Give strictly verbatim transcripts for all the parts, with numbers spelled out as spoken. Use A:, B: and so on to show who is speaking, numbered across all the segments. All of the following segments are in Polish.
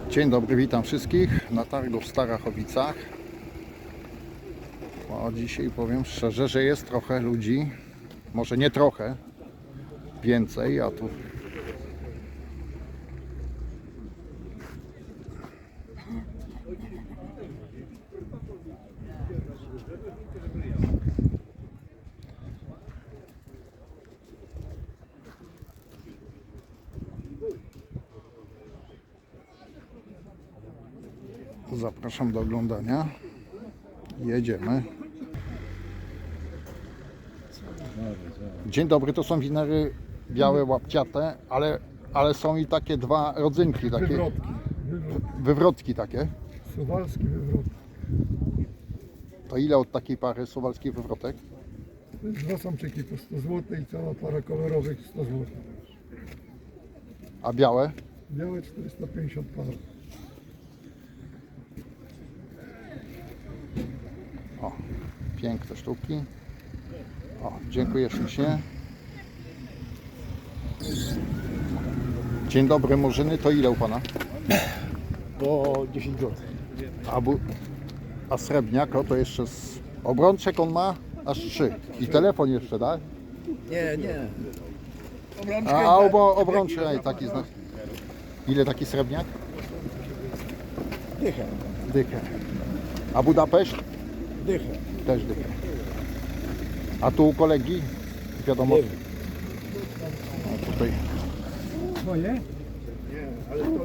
A: Dzień dobry, witam wszystkich na targu w Starachowicach. O, dzisiaj powiem szczerze, że jest trochę ludzi, może nie trochę, więcej, a tu zapraszam do oglądania. Jedziemy. Dzień dobry, to są winery białe, łapciate, ale, ale są i takie dwa rodzynki, takie
B: Wywrotki.
A: wywrotki takie.
B: Suwalski wywrotek.
A: To ile od takiej pary suwalskich wywrotek?
B: To jest dwa samczyki po sto złotych i cała para kolorowych sto złotych.
A: A białe?
B: Białe czterysta pięćdziesiąt par.
A: O, piękne sztuki. O, dziękuję ślicznie. Dzień dobry, Murzyny, to ile u Pana?
B: Po dziesięć złotych.
A: A, bu... A srebrniak, o, to jeszcze z obrączek on ma aż trzy. I telefon jeszcze, tak?
B: Nie, nie.
A: A, a obo, obrączek, ej, taki znak. Ile taki srebrniak?
B: Dychę.
A: Dychę. A Budapeszt?
B: Dychę.
A: Też dychę. A tu u kolegi? Wiadomo.
B: Nie wiem.
A: No, tutaj.
B: Moje? Nie, ale to...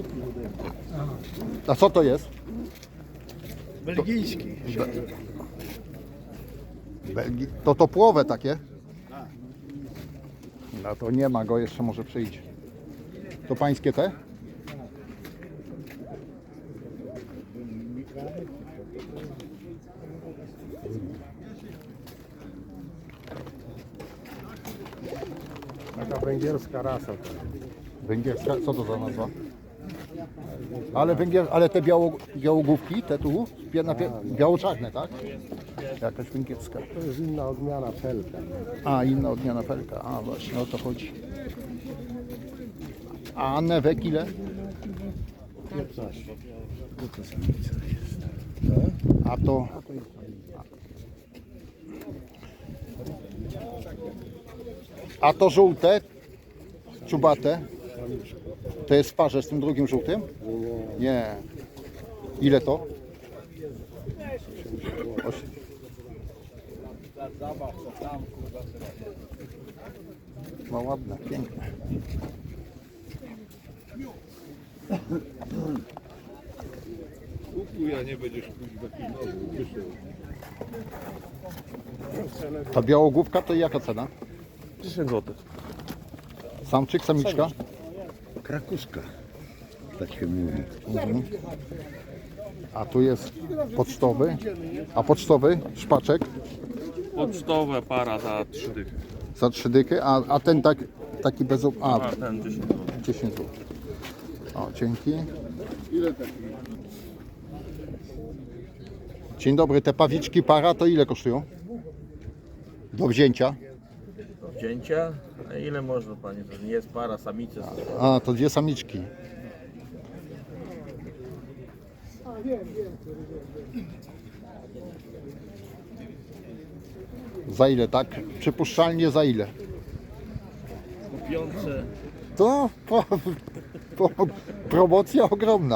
A: A co to jest?
B: Belgijski.
A: Belgii. To topłowe takie? No to nie ma go, jeszcze może przyjdzie. To pańskie te?
B: Taka węgierska rasa.
A: Węgierska, co to za nazwa? Ale węgier, ale te biało, białogłówki, te tu, pie- na pie- biało-czarne, tak? Jakaś węgierska.
B: To jest inna odmiana felka.
A: A, inna odmiana felka, a właśnie o to chodzi. A newek ile?
B: piętnaście.
A: A to... A to żółte, czubate, to jest w parze z tym drugim żółtym? Nie. Ile to? Osiem. No ładne, piękne.
C: Kupuj, a nie będziesz kuźwa pilnował.
A: Ta białogłówka to jaka cena?
C: dziesięć złotych.
A: Samczyk, samiczka?
C: Krakuska. Tak się mówi.
A: Mhm. A tu jest pocztowy. A pocztowy, szpaczek
D: Pocztowe para za trzy dychy.
A: za trzy dychy, a, a ten tak, taki bez... A,
D: A ten dziesięć złotych.
A: dziesięć złotych. O, dzięki. Dzień dobry, te pawiczki para to ile kosztują? Do wzięcia?
D: Wzięcia? A ile można Pani? To nie jest para, samice.
A: A, to dwie samiczki. Za ile, tak? Przypuszczalnie za ile?
D: Kupiące.
A: To po, po, promocja ogromna.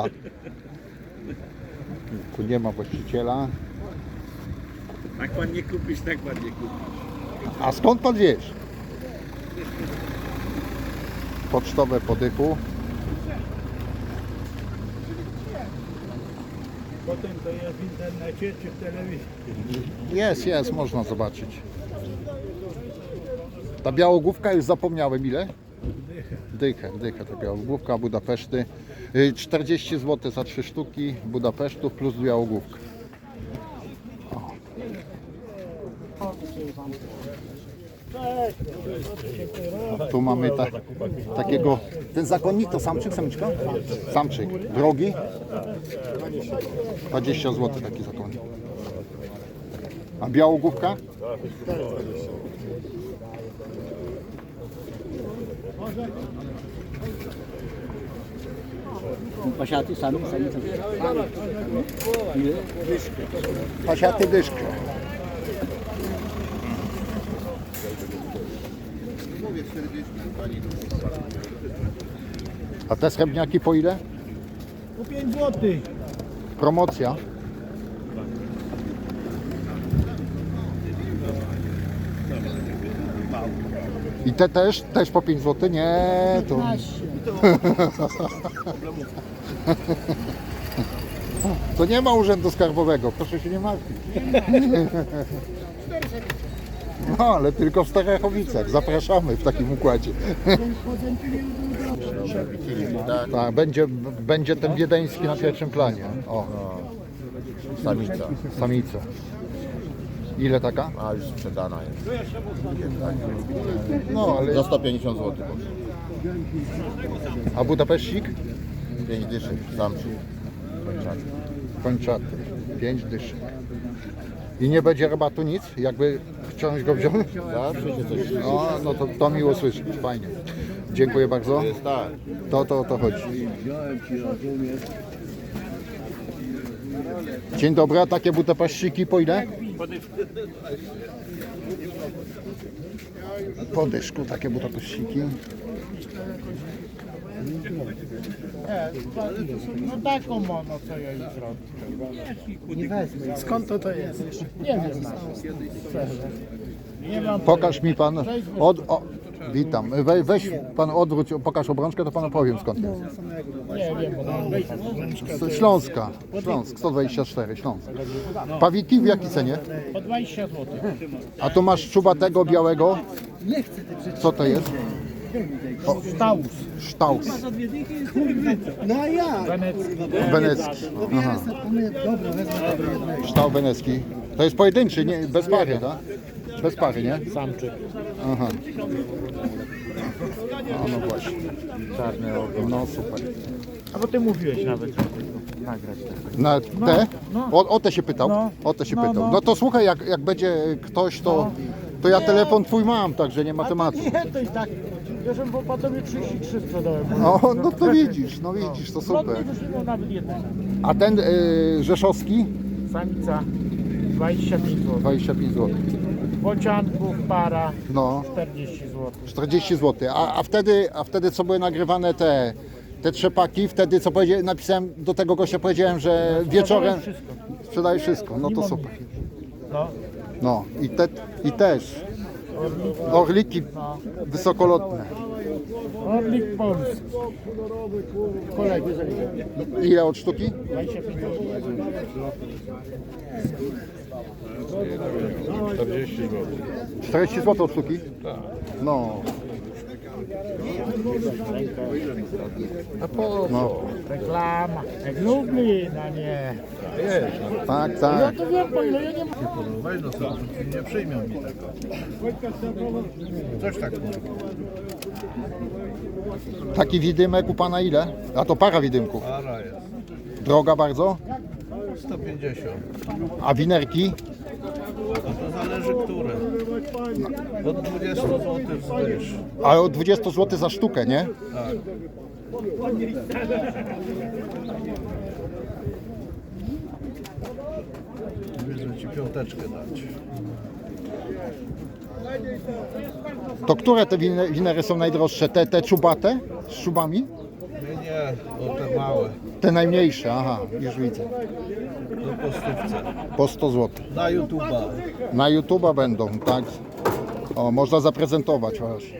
A: Tu nie ma właściciela.
D: Jak Pan nie kupisz, tak Pan nie kupi.
A: A skąd Pan wiesz? Pocztowe po dychu.
B: Potem to jest w internecie czy w telewizji.
A: Jest, jest, można zobaczyć. Ta białogłówka, już zapomniałem ile? Dychę, dychę to białogłówka, Budapeszty. Y, czterdzieści złotych za trzy sztuki Budapesztów plus białogłówka. O. Tu mamy ta, takiego, ten zakonnik to samczyk, samiczka? Samczyk, drogi? dwadzieścia złotych taki zakonnik. A białogłówka?
E: Pasiaty sami, sami co? Ile?
A: Pasiaty dyszkę. A te srebrniaki po ile?
B: Po pięć złotych.
A: Promocja. I te też? Też po pięć złotych? Nie, to... To nie ma urzędu skarbowego, proszę się nie martwić. No, ale tylko w Starachowicach. Zapraszamy w takim układzie. Tak, będzie, będzie ten wiedeński na pierwszym planie. O,
D: Samica,
A: samica. Ile taka?
D: a już sprzedana jest.
A: No, ale...
D: Za sto pięćdziesiąt złotych.
A: A Budapeszcik?
D: pięć dyszek, samczyk.
A: Kończaty. pięć dyszek. I nie będzie rabatu nic? Jakby chciałeś go wziąć?
D: Zawsze się coś
A: O, no to, to miło słyszeć. Fajnie. Dziękuję bardzo.
D: jest tak.
A: To, to, to chodzi. Dzień dobry, a takie butapaszczyki po ile? Po dyszku takie butapaszczyki.
F: No taką mono, co ja jej zrobię.
E: Nie wezmę.
F: Skąd to to jest? Nie wiem. Szczerze. Nie mam.
A: Pokaż mi pan, od, o, witam, We, weź pan odwróć, pokaż obrączkę, to panu powiem skąd jest.
F: Nie wiem, bo tam
A: Z Śląska, Śląsk, sto dwadzieścia cztery, Śląsk. Pawiki w jakiej cenie?
F: po dwadzieścia złotych.
A: A tu masz czubatego białego, co to jest?
F: Staus.
A: Sztaus,
E: No a ja.
F: Wenecki.
A: wenecki. Aha.
E: Dobra, wezmę tego jednego.
A: Ształ wenecki. To jest pojedynczy, nie, bez pary, tak? Bez pary, nie?
F: Samczyk.
A: Aha. A no właśnie. Czarny ogon. No super.
F: A bo ty mówiłeś nawet, żeby nagrać.
A: Na te? O, o te się pytał.
F: No.
A: O te się
F: No,
A: pytał.
F: no.
A: No to słuchaj, jak, jak będzie ktoś, to, to ja telefon twój mam, także nie ma tematu.
F: Nie, to i tak. Wiesz, bo po tobie trzydzieści trzy sprzedałem.
A: O, no to widzisz, no widzisz, to super.
F: Lotnik już nie miał nawet jednego.
A: A ten y, rzeszowski?
F: Samica dwadzieścia pięć złotych.
A: dwadzieścia pięć złotych.
F: Bocianków para
A: No,
F: czterdzieści złotych.
A: czterdzieści złotych. A, a, wtedy, a wtedy co były nagrywane te, te trzepaki, wtedy co powiedzia, napisałem do tego gościa, powiedziałem, że wieczorem
F: Wszystko.
A: sprzedajesz wszystko. No to super.
F: No.
A: No i, te, i też orliki wysokolotne.
F: Orlik polski. Kolegi.
A: Ile od sztuki?
F: dwadzieścia pięć złotych.
A: czterdzieści złotych od sztuki? No.
F: A po
A: No,
F: reklama. Jak Lublin, a nie.
A: tak,
F: Ja
A: tak.
F: to wiem, po ile ja nie mam.
B: Weź no co, nie przyjmą mi tego. Coś tak może.
A: Taki widymek u pana ile? A to para widymków.
B: Para jest.
A: Droga bardzo?
B: sto pięćdziesiąt.
A: A winerki?
B: To zależy które. Od dwudziestu złotych wzwyż.
A: Ale od dwadzieścia złotych za sztukę, nie?
B: Tak. Mówię, ci piąteczkę dać.
A: To które te wine- winery są najdroższe? Te, te czubate? Z szubami?
B: Nie, nie, o te małe.
A: Te najmniejsze, aha, już widzę.
B: Do postówce.
A: Po sto złotych.
B: Na YouTube'a.
A: Na YouTube'a będą, tak? O, można zaprezentować właśnie.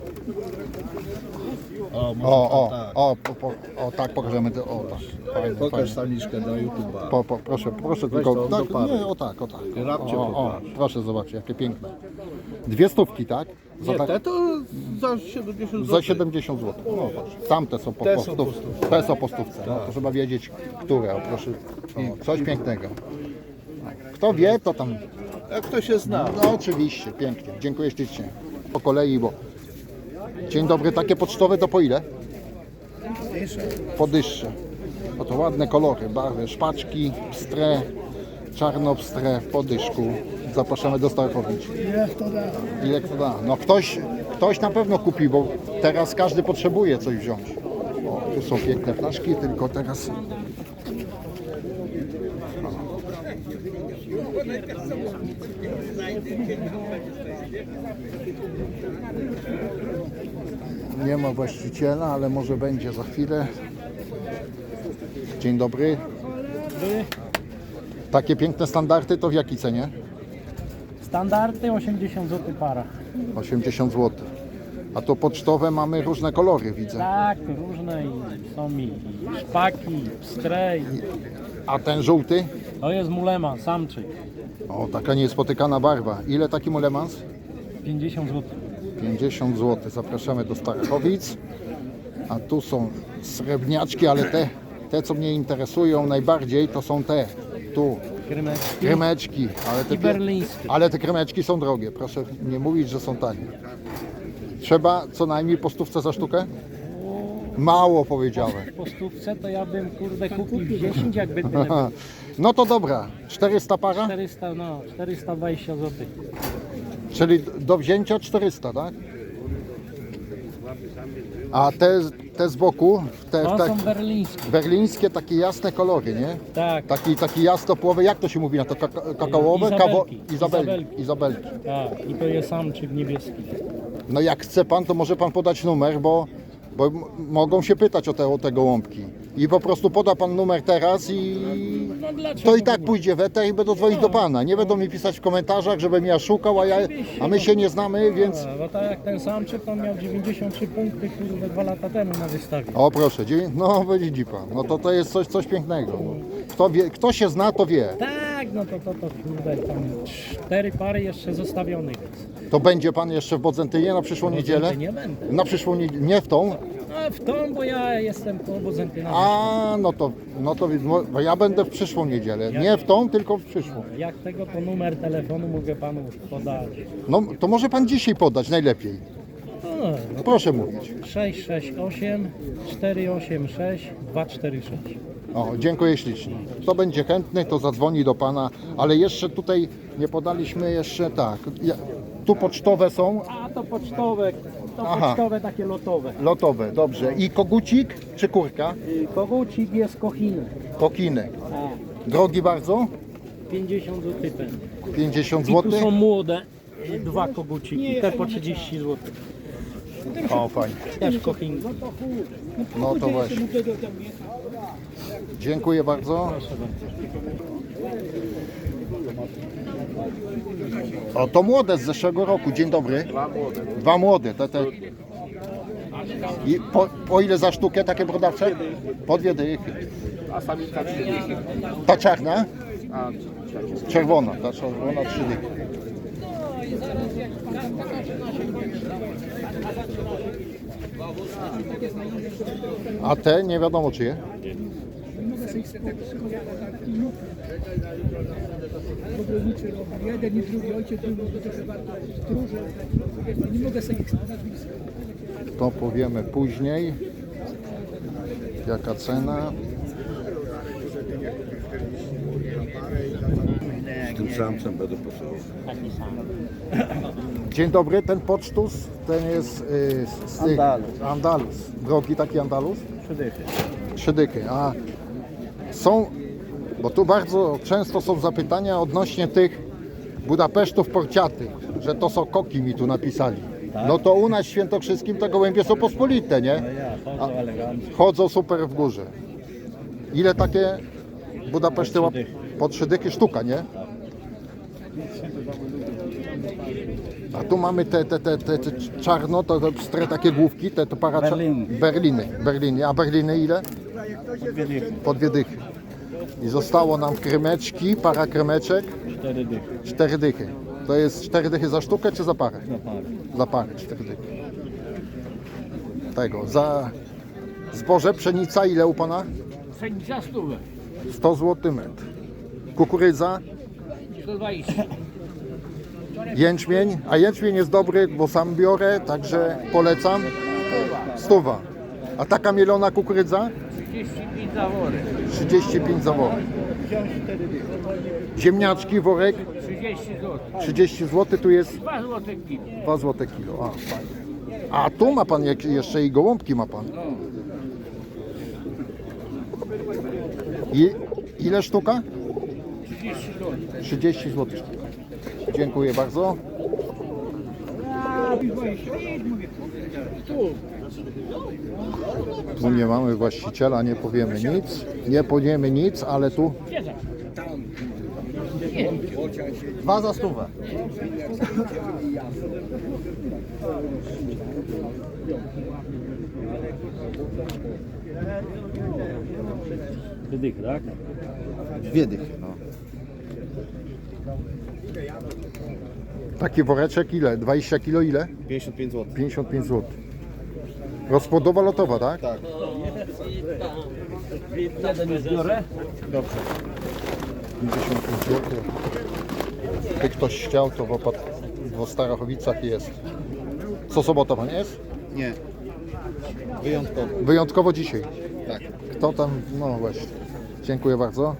B: O, może
A: O, o,
B: tak.
A: o, po, po, o, tak pokażemy. to- O, tak. Fajnie,
B: Pokaż
A: fajnie.
B: samiczkę na YouTube'a.
A: Po, po, proszę, proszę
B: Weź
A: tylko.
B: to
A: Tak,
B: do pary.
A: nie, o tak, o tak.
B: Rabcie
A: O, o,
B: pokaż.
A: proszę zobaczyć, jakie piękne. Dwie stówki, tak? Za,
B: Nie,
A: tak,
B: te to za siedemdziesiąt złotych.
A: za siedemdziesiąt złotych. No, patrz. Tamte są po,
B: Te
A: po
B: są
A: stów,
B: po stówce.
A: te są po stówce. No, to trzeba wiedzieć, które. O, proszę. O, coś pięknego. Kto wie, to tam.
B: Jak ktoś się zna.
A: No oczywiście, pięknie. Dziękuję ślicznie. Po kolei, bo. Dzień dobry, takie pocztowe to po ile? Po dyszcze. No to ładne kolory, barwy, szpaczki, pstre, czarno-pstre, po dyszku. Zapraszamy do Starachowic.
F: Ile to da?
A: Ile kto da? No ktoś, ktoś na pewno kupi, bo teraz każdy potrzebuje coś wziąć. O, Tu są piękne ptaszki, tylko teraz... Nie ma właściciela, ale może będzie za chwilę. Dzień dobry. Takie piękne standardy to w jakiej cenie?
F: Standardy osiemdziesiąt złotych para.
A: osiemdziesiąt złotych. A to pocztowe mamy różne kolory, widzę.
F: Tak, różne i są i, i szpaki, i pstre. I...
A: A ten żółty?
F: To jest mulema, samczyk.
A: O, taka niespotykana barwa. Ile taki mulemans?
F: pięćdziesiąt złotych.
A: pięćdziesiąt złotych. Zapraszamy do Starachowic. A tu są srebrniaczki, ale te, te co mnie interesują najbardziej, to są te. Tu.
F: Krymeczki.
A: Krymeczki. Ale te,
F: I berlińskie.
A: ale te krymeczki są drogie. Proszę nie mówić, że są tanie. Trzeba co najmniej po stówce za sztukę? Mało powiedziałem.
F: Po stówce to ja bym kurde kupił dziesięć, jakby tyle było.
A: No to dobra. czterysta para?
F: czterysta, no, czterysta dwadzieścia złotych.
A: Czyli do wzięcia czterysta, tak? A te, te z boku, te,
F: To
A: te
F: są berlińskie.
A: berlińskie, takie jasne kolory, nie?
F: Tak,
A: Taki, taki jasnopłowy, jak to się mówi na to? Kaka- Kakaowe? Kawo-
F: Izabelki.
A: Izabelki. Izabelki.
F: tak. I to jest samczyk niebieski.
A: No jak chce pan, to może pan podać numer, bo, bo m- mogą się pytać o te, o te gołąbki. I po prostu poda pan numer teraz i
F: No dlaczego?
A: to i tak
F: nie?
A: pójdzie w eter i będą dzwonić do pana. Nie będą mi pisać w komentarzach, żebym ja szukał, a, ja, a my się nie znamy, więc...
F: A, bo tak jak ten samczyk, on miał dziewięćdziesiąt trzy punkty, kurde, dwa lata temu na wystawie.
A: O proszę, dziewię- no widzi pan, no to to jest coś, coś pięknego. Kto, wie, kto się zna, to wie.
F: Tak, no to, to, to kurde, tam cztery pary jeszcze zostawionych.
A: To będzie pan jeszcze w Bodzentynie na przyszłą niedzielę?
F: Nie będę.
A: Na przyszłą niedzielę, nie w tą?
F: A w tą, bo ja jestem po Bozentyna.
A: A, no to, no to no, ja będę w przyszłą niedzielę. Nie w tą, tylko w przyszłą.
F: Jak tego, to numer telefonu mogę panu podać.
A: No to może pan dzisiaj podać najlepiej.
F: No, no
A: Proszę mówić.
F: sześć sześć osiem cztery osiem sześć dwa cztery sześć.
A: O, dziękuję ślicznie. Kto będzie chętny, to zadzwoni do pana, ale jeszcze tutaj nie podaliśmy jeszcze tak. Ja, tu pocztowe są,
F: A to pocztowe, to
A: Aha.
F: pocztowe takie lotowe.
A: lotowe, dobrze. I kogucik czy kurka?
F: Y, Kogucik jest kochiny.
A: Kokinek.
F: A,
A: Drogi bardzo?
F: pięćdziesiąt złotych ten.
A: pięćdziesiąt
F: I tu
A: złotych.
F: są młode, y, dwa koguciki, te po trzydzieści złotych.
A: O, fajnie.
F: Też kochinki.
A: No to właśnie. Dziękuję bardzo. O, to młode z zeszłego roku. Dzień dobry. Dwa młode. Dwa młode. Te, te. I po, po ile za sztukę takie brodawcze? Po dwie dychy. Ta czarna? Czerwona. Ta czerwona trzy dychy. A te nie wiadomo czyje?
E: Jeden i drugi ojciec był to trochę warto stróże, nie mogę sobie ich nazwiska.
A: To powiemy później. Jaka cena?
C: Z tym samcem będę potrzebował.
A: Dzień dobry, ten pocztus, ten jest y, z, z tych,
E: Andalus.
A: Andalus. Drogi taki Andalus?
F: Trzy dychy.
A: Trzy dychy. A są, bo tu bardzo często są zapytania odnośnie tych Budapesztów porciatych, że to są koki, mi tu napisali. No to u nas w Świętokrzyskim te gołębie są pospolite, nie?
F: Ja, chodzą elegancko.
A: Chodzą super w górze. Ile takie Budapeszty łap? Po trzy dychy sztuka, nie? A tu mamy te, te, te, te, te czarno, to, to pstre takie główki, te, to para
F: Berliny.
A: Berliny. Berliny. A Berliny ile?
F: Dwie dychy.
A: Po dwie dychy. I zostało nam krymeczki, para krymeczek,
F: Cztery dychy.
A: cztery dychy. To jest cztery dychy za sztukę czy za parę?
F: Na parę.
A: Za parę, cztery dychy. Tego, za zboże, pszenica, ile u pana?
F: Pszenica stówę.
A: sto złotych metr. Kukurydza,
F: sto dwadzieścia.
A: jęczmień, a jęczmień jest dobry, bo sam biorę, także polecam. Stuwa. A taka mielona kukurydza?
F: trzydzieści pięć zawory.
A: trzydzieści pięć za worek. Ziemniaczki, worek
F: trzydzieści złotych.
A: trzydzieści złotych, tu jest
F: dwa złote kilo.
A: dwa złote kilo. A, fajnie. A tu ma pan jak, jeszcze i gołąbki ma pan. I, ile sztuka? trzydzieści złotych sztuka. Dziękuję bardzo. Tu nie mamy właściciela, nie powiemy nic. Nie powiemy nic, ale tu dwa za stówę.
F: Wydych, tak?
A: Dwie dychy, no. Taki woreczek ile? dwadzieścia kilo ile?
C: pięćdziesiąt pięć złotych.
A: pięćdziesiąt pięć złotych. Rozpłodowa lotowa, tak?
C: Tak.
F: Biorę?
A: pięćdziesiąt pięć złotych. Gdyby ktoś chciał, to w, opat- w Starachowicach jest. Co sobota pan jest?
C: Nie. Wyjątkowo.
A: Wyjątkowo dzisiaj.
C: Tak.
A: Kto tam? No właśnie. Dziękuję bardzo.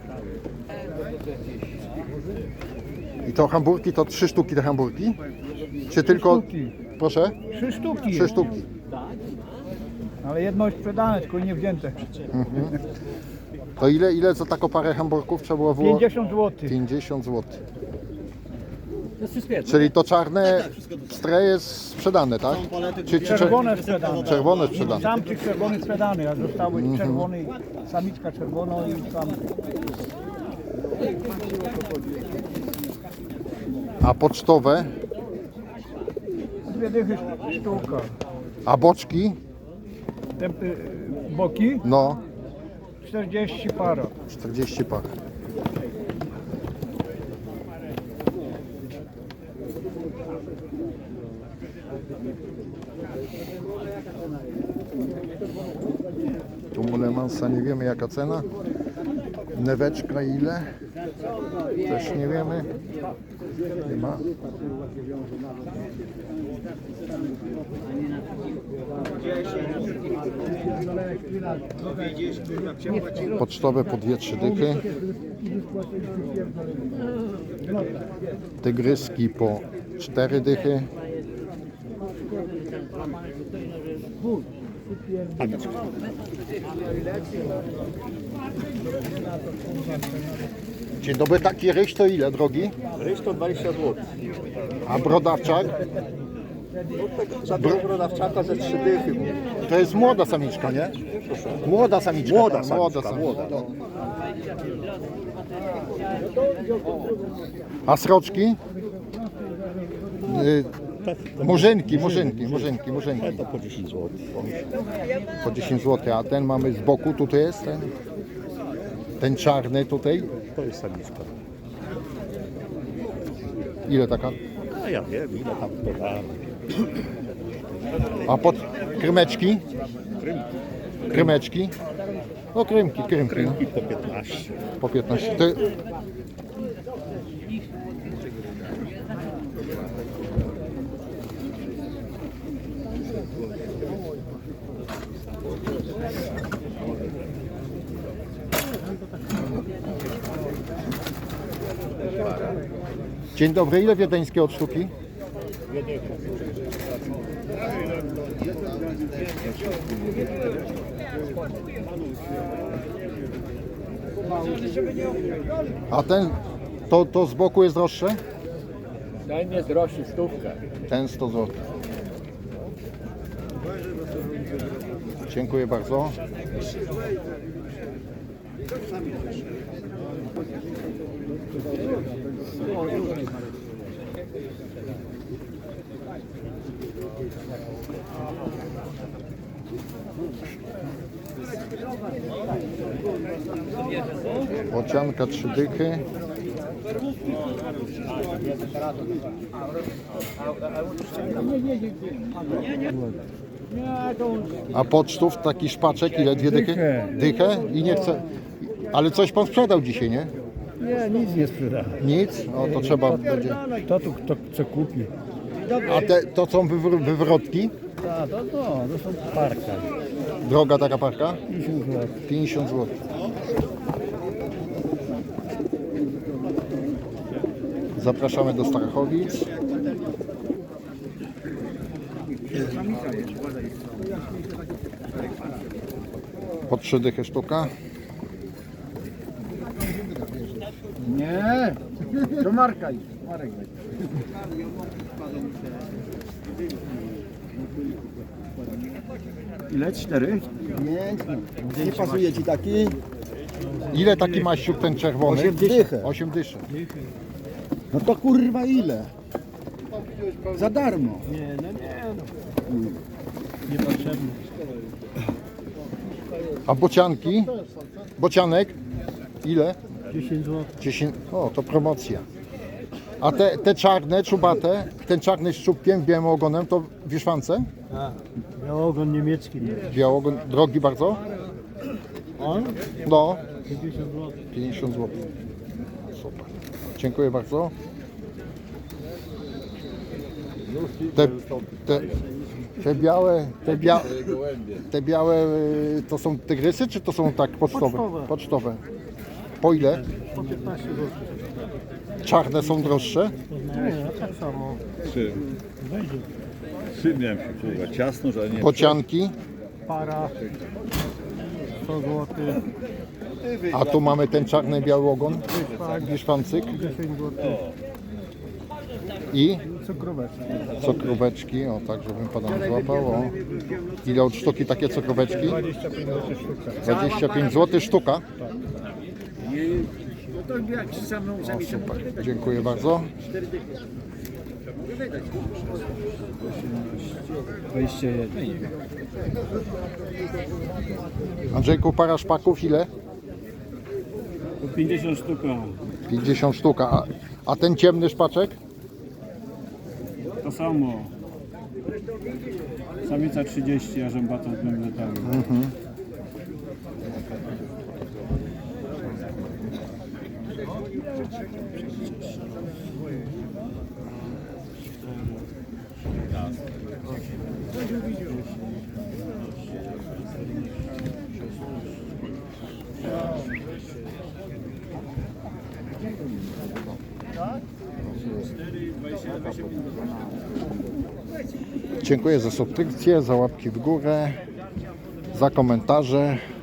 A: I to hamburki, to trzy sztuki te hamburki? Czy tylko...
B: sztuki.
A: Proszę?
B: Trzy sztuki.
A: Trzy sztuki.
B: Ale jedno jest sprzedane, tylko nie wzięte.
A: To ile, ile za taką parę hamburków trzeba było wyłożyć?
B: pięćdziesiąt złotych.
A: pięćdziesiąt złotych.
F: To jest wszystko jedno.
A: Czyli to czarne stre jest sprzedane, tak? Czy, czy, czy,
B: Czerwone sprzedane.
A: czerwone sprzedane.
B: Samczyk czerwony sprzedany, a zostały czerwony, samiczka czerwona i sam.
A: A pocztowe?
B: Dwie dychy sztuka.
A: A boczki?
B: Te y, boki
A: No,
B: czterdzieści para.
A: czterdzieści par. Tu mulemansa nie wiemy jaka cena. Neweczka ile? Też nie wiemy. Nie ma. Pocztowe po dwie, trzy dychy. Tygryski po cztery dychy. Dzień dobry, taki ryż to ile, drogi?
C: Ryż to dwadzieścia złotych.
A: A brodawczak?
C: Za tego brodawczaka ze trzy dychy.
A: To jest młoda samiczka, nie? Młoda samiczka.
C: Młoda
A: tak,
C: samiczka,
A: młoda samiczka.
C: młoda.
A: No. A sroczki? Y, murzynki, murzynki, murzynki, murzynki.
C: To po dziesięć złotych.
A: Po dziesięć złotych, a ten mamy z boku, tutaj jest ten, ten czarny tutaj.
C: To jest samiczka.
A: Ile taka?
C: A ja wiem, ile tam to da.
A: A pod krymeczki? Krymeczki? No krymki, krymki. No.
C: I po piętnaście.
A: Po piętnaście. Ty... Dzień dobry, ile wiedeńskie od sztuki? A ten, to, to z boku jest droższe?
F: Ten jest droższy stówkę.
A: Ten sto złotych. Dziękuję bardzo. Bocianka trzy dychy. A pocztów taki szpaczek ile? Dwie dychy?
B: Dychę.
A: Dychę? I nie chcę. Ale coś pan sprzedał dzisiaj, nie?
B: Nie, nic nie sprzeda.
A: Nic? No to trzeba będzie.
B: Kto tu kto chce kupi?
A: A te, to są wywr- wywrotki?
B: A, to, to, to są parka.
A: Droga taka parka?
B: pięćdziesiąt złotych.
A: pięćdziesiąt złotych. Zapraszamy do Starachowic. Po trzy dychy sztuka.
F: Nie, to Marka idzie. Marek będzie.
C: Ile? Cztery? Pięknie. Nie pasuje ci taki?
A: Ile taki maściuk ten czerwony?
C: Osiem dychę.
A: Osiem dyszy.
C: No to kurwa ile? Za darmo.
A: A bocianki? Bocianek? Ile?
F: dziesięć złotych.
A: dziesięć. O, to promocja. A te, te czarne, czubate, ten czarny z czubkiem, białym ogonem, to wieszwance?
F: A, białogon niemiecki.
A: Białogon, drogi bardzo?
F: On?
A: No,
F: pięćdziesiąt złotych.
A: pięćdziesiąt złotych. Super. Dziękuję bardzo. Te, te, te białe, te, bia, te białe y, to są tygrysy, czy to są tak pocztowe?
F: Pocztowe.
A: Pocztowe. Po ile?
F: Po piętnaście złotych.
A: Czarne są droższe?
F: Nie, tak samo.
G: Czym?
F: Wejdzie.
G: Czym miałem się kurwa? Ciasno, że nie.
A: Bocianki,
F: Para sto złotych.
A: a tu mamy ten czarny biały ogon, wieszwancyk
F: dziesięć złotych.
A: i
F: Cukroweczki.
A: cukroweczki, o tak, żebym pana nie złapał. O. Ile od sztuki takie cukroweczki?
F: dwadzieścia pięć złotych sztuka.
A: dwadzieścia pięć złotych sztuka.
F: No to jak się sam
A: O, super, dziękuję bardzo.
F: dwadzieścia jeden.
A: Andrzejku, para szpaków ile?
F: pięćdziesiąt sztuka.
A: pięćdziesiąt sztuk, a, a ten ciemny szpaczek?
F: To samo. Samica trzydzieści, a rzębata dwóm latami.
A: Dziękuję za subskrypcję, za łapki w górę, za komentarze.